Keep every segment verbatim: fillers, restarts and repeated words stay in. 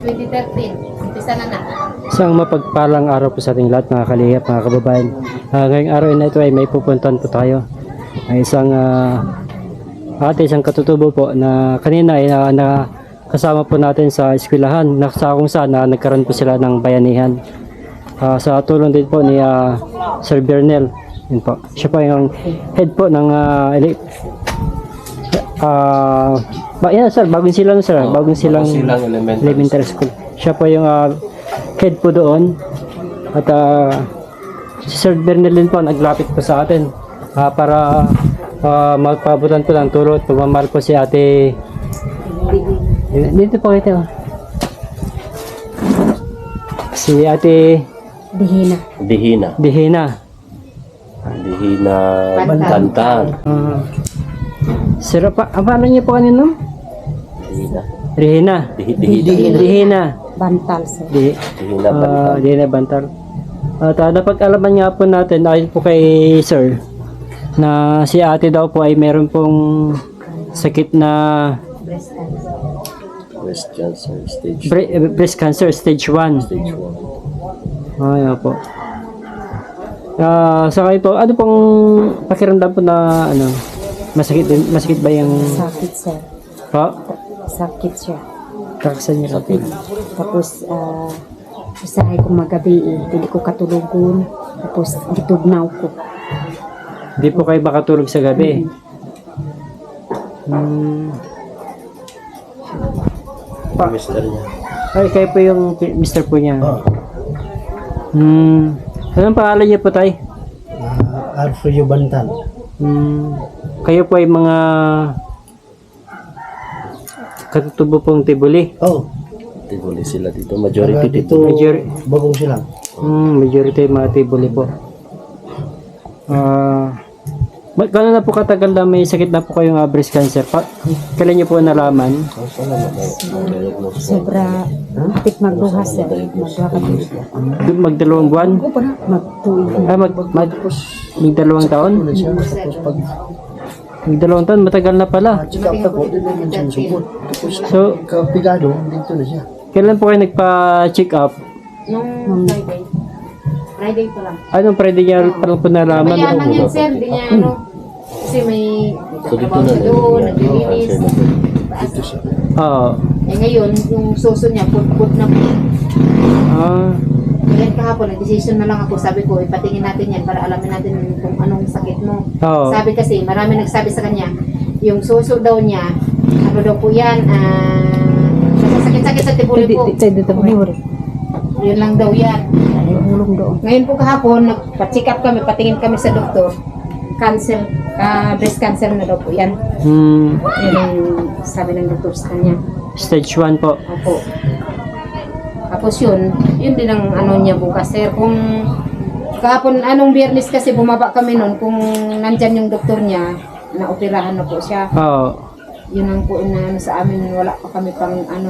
twenty thirteen, umpisa na na. Isang mapagpalang araw po sa ating lahat, mga kalihap, mga kababayan. Uh, ngayong araw na ito ay may pupuntahan po tayo. Ay isang uh, ate, isang katutubo po na kanina ay uh, nakasama po natin sa eskwelahan. Sa kung saan uh, nagkaroon po sila ng bayanihan. Uh, sa tulong din po ni uh, Sir Bernel. Yun po. Siya po yung head po ng uh, uh, ba, yan sir, bagong silang sir, Oh, bagong silang, silang elementary, elementary school. Siya po yung uh, head po doon. At uh, si Sir Bernel din po naglapit po sa atin uh, para uh, magpabutan po ng tulong at pagmamahal po si ate. Dito po ito. Si ate Dihina. Dihina. Dihina. Dihina Bantan. Bantan. Uh, sir, pa, ang pangalan niyo po kanino? Dihina. Rihina. Dihi- Dihina. Dihina. Dihina. Bantal, sir. Di, Dihina uh, Bantan. Dihina Bantal. At uh, napag-alaman nga po natin, ayon po kay Sir, na si ate daw po ay meron pong sakit na Breast cancer stage bre- eh, breast cancer stage one. stage one. Ay, po. Ah, sa kayo po, ano pong pakiramdam po na ano, masakit din, masakit ba yung Sakit, sir. pa? Sakit siya. Kaksan niya sakit. Tapos, ah, usahay ko magabi eh. Hindi ko katulugon. Tapos, gitugnaw ko. Hindi po kayo makatulog sa gabi. Hmm. Pa, Mister niya. ay, kayo po yung pi- mister po niya. Oh. Hmm. Anong pangalan niyo po, tay? uh, Alfredo Bantan. Hmm. Kayo po ay mga katutubo pong Tibuli. Oh, Tibuli sila dito. Majority taga dito, dito. Major- bagong silang. Hmm, majority mga Tibuli po. Ah, uh, gano'n na po katagal na may sakit na po kayong uh, breast cancer? Pa, kailan niyo po nalaman? Ang sana na diagnose. Sobra, hapit magduha, sir. Magduha ka dito. Magdalawang buwan? Magtuig. Ah, mag, mag, magdalawang taon? Ano siya? Tapos pag Magdalawang taon, matagal na pala. check up na po, din naman siya support. Tapos So, kapigado, dito na siya. kailan po kayo nagpa-check up? Nung Friday. Friday pa lang. Anong pwede niya parang po nalaman? Mayaman yan, sir. Di niya ano. Kasi may So dito trabaho na. siya doon, naglilinis. Dito siya. Oo. Eh ngayon, yung suso niya, put-put na po. Ah, Ngayon kahapon, nag-decision na lang ako. Sabi ko, ipatingin natin yan para alamin natin kung anong sakit mo. oo. Sabi kasi, marami nagsabi sa kanya, yung suso daw niya, ano daw po yan, ah, sakit-sakit sa tibuli po. Dito mo. Yun lang daw yan. Ay, ulong doon. Ngayon po kahapon, nagpa-check up kami, patingin kami sa doktor. Cancer, ah, breast cancer na daw po yan. Hmm, Yun ang sabi ng doktor sa kanya. stage one po. Opo. Tapos yun, yun din ang ano niya bukas. Sir, kung kahapon, anong biyernes kasi bumaba kami nun, kung nandyan yung doktor niya, naoperahan na po siya. Oo. Yun ang po na ano sa amin, wala pa kami pang ano,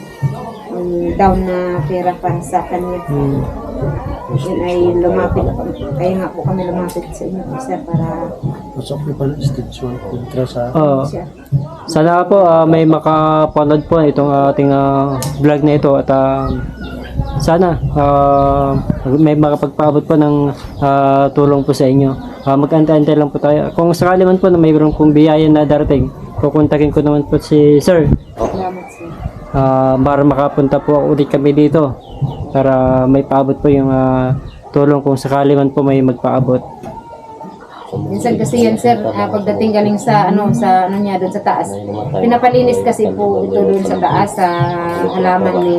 um, down na pera para sa kanya. Hmm. Yun ay lumapit, kaya nga po kami lumapit sa inyo po sir para Pasok na pala, stage one, kontra sa Oo. siya. Sana po ah, may makapanood po itong ating ah, vlog na ito at ah, sana ah, may makapagpaabot po ng ah, tulong po sa inyo. Uh, Mag-antay-antay lang po tayo. Kung sakali man po na mayroon pong biyaya na darating, kukontakin ko naman po si Sir Salamat sir. ah, para makapunta po ulit kami dito para may paabot po yung ah, tulong kung sakali man po may magpaabot. Minsan kasi yan sir, ah, pagdating galing sa ano sa ano niya doon sa taas. Pinapalinis kasi po ito doon sa taas sa halaman ni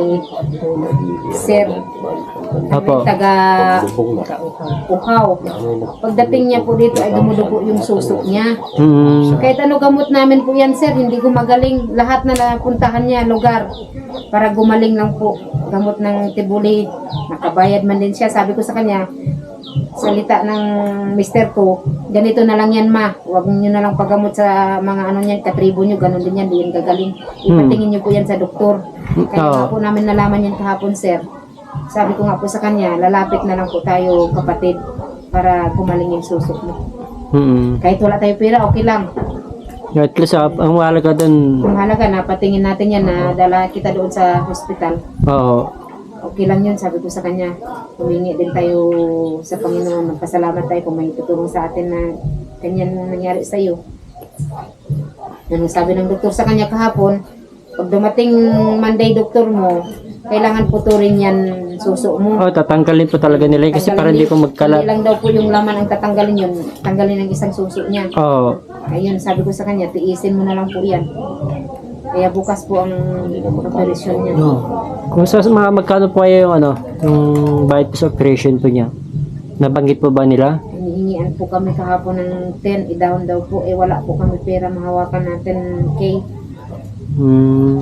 Sir Opo. taga Bubong na. Uhaw. Pagdating niya po dito ay dumudugo yung susok niya. Hmm. Kahit ano gamot namin po yan sir, hindi gumagaling. Lahat na napuntahan niya lugar para gumaling lang po. Gamot ng tibuli, nakabayad man din siya. Sabi ko sa kanya, salita ng mister ko, ganito na lang yan ma, huwag niyo na lang paggamot sa mga ano niyan, katribo niyo, ganun din yan, di yan gagaling. Ipatingin niyo po yan sa doktor. Kaya nga po namin nalaman yan kahapon sir. Sabi ko nga po sa kanya, lalapit na lang po tayo kapatid para gumaling yung susok mo. Hmm. Kahit wala tayo pera, okay lang. At least, ah, ang mahalaga doon, Kung mahalaga na patingin natin yan na dala kita doon sa hospital. oo, Okay lang yun, sabi ko sa kanya. Humingi din tayo sa Panginoon. Magpasalamat tayo kung may tutulong sa atin na ganyan nangyari sa iyo. Ano sabi ng doktor sa kanya kahapon, pag dumating Monday doktor mo, kailangan puturin yan suso mo. oh, tatanggalin po talaga nila yun kasi para hindi ko Hindi magkalat. lang daw po yung laman ang tatanggalin yun. Tanggalin ang isang suso niya. Oo, Ayun, sabi ko sa kanya, tiisin mo na lang po yan. Kaya bukas po ang operasyon niya. No. kung sa mga magkano po kayo yung ano, yung bayad po sa operation po niya, nabanggit po ba nila? Hinihingian po kami kahapon ng ten, i-down daw po. Eh wala po kami pera, mahawakan natin K. Hmm.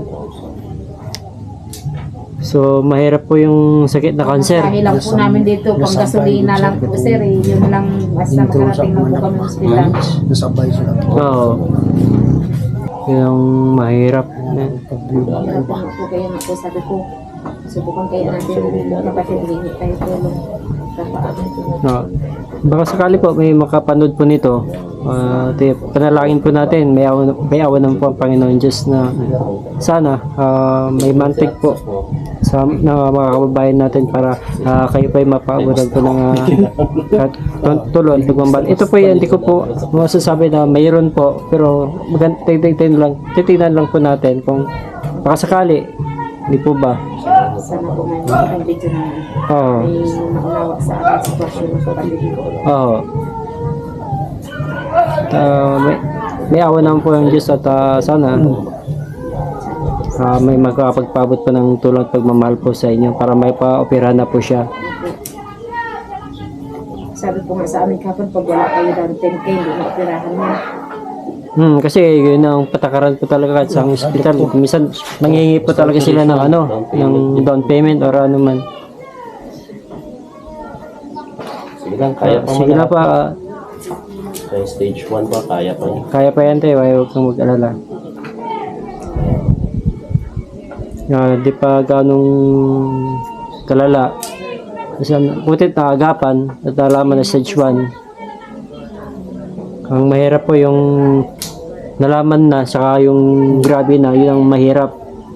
So, mahirap po yung sakit na cancer. Sabi lang po namin dito, pang gasolina lang po sir. Eh. Yun lang, basta Dito sa makarating lang po kami sa hospital. nasabay sila. Oo. Yung mahirap. Hirap po po kayo nga po, sabi ko. Subukan kayo natin, kapatid, hindi tayo tulong. Kapaabot po. No. Baka sakali po may makapanood po nito. Uh, panalangin po natin. May awan, may awan ng po ang Panginoon Diyos na sana ah, may mantik po sa na mga kababayan natin para ah, kayo pa ay mapaabutan po ng uh, tulong. Pagmamahal. Ito po yan, hindi ko po masasabi na mayroon po pero maganda titignan lang, titignan lang po natin kung baka sakali, hindi po ba? Sana po may mga video na Oo. may maunawa sa aking sitwasyon ng kapatid ko. Oo. Ah, may, may awa naman po yung Diyos at ah, sana ah, may makapagpabot pa ng tulong at pagmamahal po sa inyo para may pa-operahan na po siya. Sabi po nga sa amin kapon, pag wala kayo down ten K, hindi na operahan niya. Hmm, kasi yun ang patakaran po talaga sa hospital. Minsan nangihingi po talaga sila ng ano, ng down payment or ano man. Sige lang, kaya pa Sige na man. pa, Kaya stage one pa, kaya pa niya. kaya pa yan tayo, ayaw kang mag-alala. Ah, di pa ganong kalala. Kasi ano, butit na agapan at nalaman na stage one. Ang mahirap po yung nalaman na saka yung grabe na, yun ang mahirap.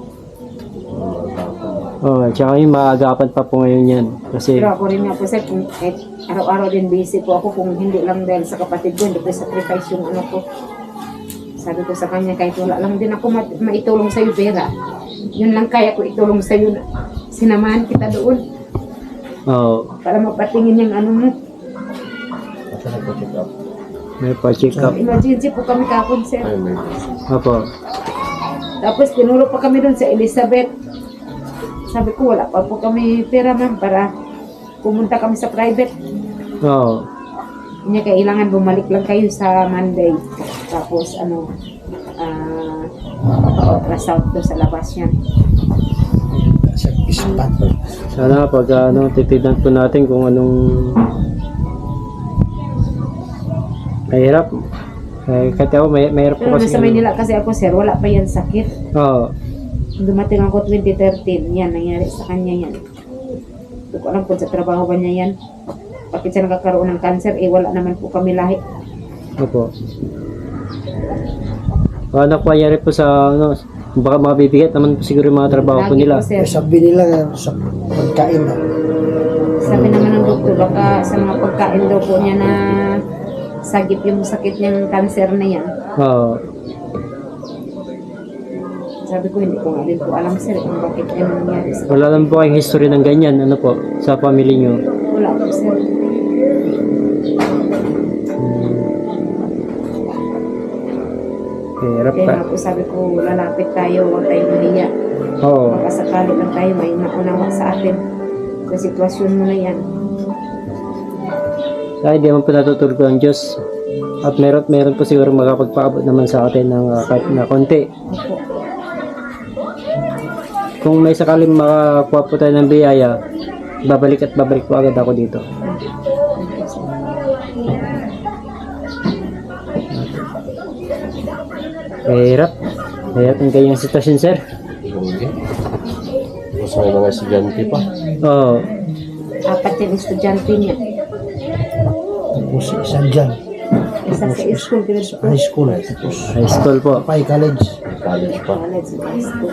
Oh, tsaka yung maagapan pa po ngayon yan. Kasi, Pero ako rin nga po sir, kung kahit araw-araw din busy po ako, kung hindi lang dahil sa kapatid ko, hindi ko sacrifice yung ano ko. Sabi ko sa kanya, kahit wala lang din ako ma- maitulong sa'yo pera. Yun lang kaya ko itulong sa'yo na sinamahan kita doon oh, para mapatingin yung ano mo. Asa na po check up? may pa-check up. Emergency po kami kapon sir. Ay, emergency. Opo. Tapos tinuro pa kami doon sa Elizabeth. Sabi ko, wala pa po kami pera ma'am para pumunta kami sa private. Oo. Kanya kailangan bumalik lang kayo sa Monday. Tapos ano, ah, ultrasound to sa labas yan. Sa ispat. Sana pag ano, titignan po natin kung anong mahirap. Eh, kahit ako, may, mahirap po Pero kasi. nasa Maynila kasi ako sir, wala pa yan sakit. Oo. Nung dumating ako twenty thirteen, yan, nangyari sa kanya yan. Hindi ko alam kung sa trabaho ba niya yan. Bakit siya nagkakaroon ng cancer, eh wala naman po kami lahi. Opo. Ano po nangyari po sa ano, baka mabibigat naman po siguro yung mga trabaho po Lagi nila. po, sir. Sabi nila sa pagkain na. Sabi naman ng doktor, baka sa mga pagkain daw po niya na sagip yung sakit niyang cancer na yan. Oo. Sabi ko, hindi ko nga din po alam sir kung bakit yan nangyari sa Wala naman po kayong history ng ganyan, ano po, sa family nyo. wala po sir. Hirap Kaya pa. nga po sabi ko, lalapit tayo, huwag tayong mahiya. Oo. Baka sakali lang tayo may naunawa sa atin sa sitwasyon mo na yan. Dahil di naman po natutulog ang Diyos. At meron, meron po siguro makapagpaabot naman sa atin ng uh, kahit na konti. Opo. Kung may sakaling makakuha po tayo ng biyaya, babalik at babalik po agad ako dito. Mahirap. Mahirap ang ganyang sitwasyon, sir. Hindi. Tapos may mga estudyante pa. Oo. Apat yung estudyante niya. Tapos isa dyan. Isa sa school, grade two. High school. Tapos, High school po. Pay College. College pa. College, high school.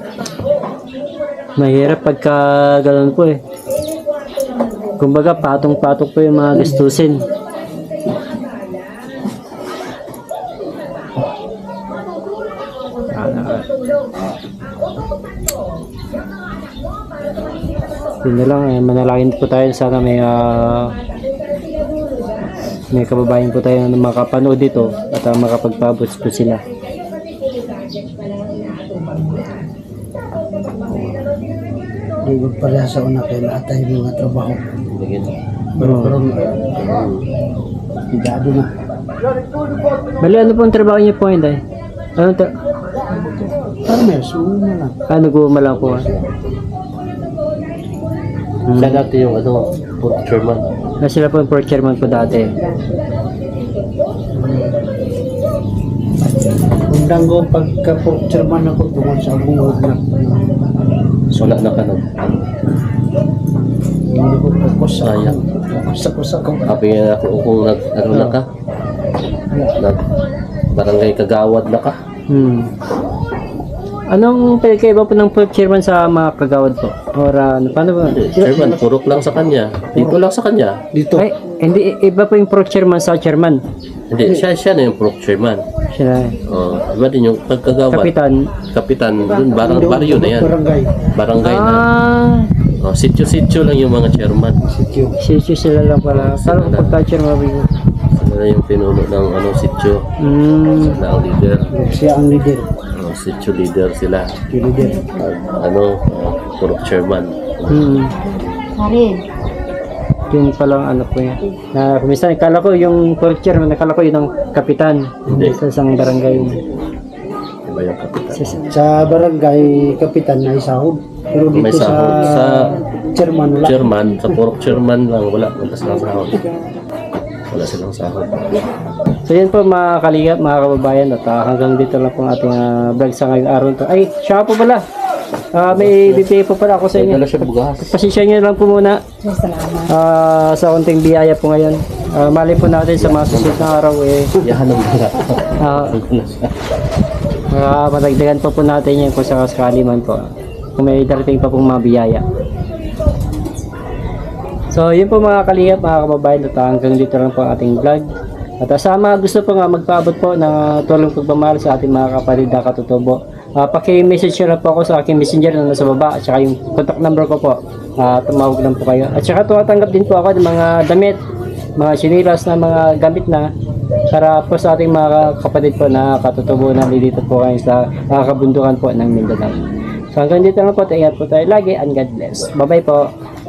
Mahirap pagka ganun po eh. Kumbaga, patong-patong po yung mga gastusin. Yun na lang, eh, manalangin po tayo. Sana may ah, may kababayan po tayo na makapanood dito at uh, makapagpabot po sila. Ligod pala sa una kay naatay yung mga trabaho. Bigyan. Pero pero higado na. Bali, ano pong trabaho niyo po, Inday? Ano tra- Farmers, una lang. ah, nag-uuma lang po. ah. Siya dati yung ano, port chairman. Ah, sila po yung port chairman po dati. Undang ko pagka-port chairman ako tungkol sa bungod na. Wala na ka nag. Hindi ko focus sa Sayang. focus ako sa kong Sabi nga ako kung nag, ano na ka, nag, barangay kagawad na ka. Hmm. Anong pinagkaiba po ng port chairman sa mga kagawad po? Or ano, paano ba? Hindi, chairman, purok lang sa kanya. Dito lang sa kanya. dito. Ay, hindi, iba po yung port chairman sa chairman. Hindi, siya, siya na yung purok chairman. Siya, Oh, iba din yung pagkagawad. kapitan. Kapitan, dun, barang, baryo na yan. Barangay. Barangay na. Ah, Oh, sityo-sityo lang yung mga chairman. Sityo. sisyo sila lang pala. Parang pagka chairman po. Sila yung pinuno ng ano, sityo. Hmm. Sila ang leader. Siya ang leader. Oh, sityo leader sila. Sityo leader. Pag, ano, uh, purok chairman. Hmm. Karin. Yun palang ano po yan. Na kumisan, kala ko yung port chairman, nakala ko yun ang kapitan. Hindi. Sa isang barangay. Iba yung kapitan. Sa- Sa barangay kapitan na isahod. Pero May dito sa, sahod. Sa- chairman wala. Chairman, sa purok chairman lang, wala. Wala silang sahod. Wala silang sahod. So yun po mga kalingap, mga kababayan, at ah, hanggang dito lang po ang ating ah, vlog sa ngayong araw to. Ay, siya po pala. Ah, may bibigay po pala ako sa May inyo. dala siya bugas. Pasensya nyo lang po muna Salamat. ah, sa konting biyaya po ngayon. Ah, mali po natin sa mga susunod na araw eh. Yahan ng bugas. Ah, uh, matagdagan pa po natin yan kung sakasakali man po. Kung may darating pa pong mga biyaya. So, yun po mga kalingap, mga kababayan, at hanggang dito lang po ang ating vlog. At uh, sa mga gusto po nga magpaabot po ng uh, tulong pagmamahal sa ating mga kapatid na katutubo, uh, paki-message nyo lang po ako sa aking messenger na nasa baba, at saka yung contact number ko po. Uh, tumawag lang po kayo. At saka tumatanggap din po ako ng mga damit, mga sinilas na mga gamit na para po sa ating mga kapatid po na katutubo na dito po kayo sa uh, kabundukan po ng Mindanao. So hanggang dito lang po, ingat po tayo lagi and God bless. Bye bye po.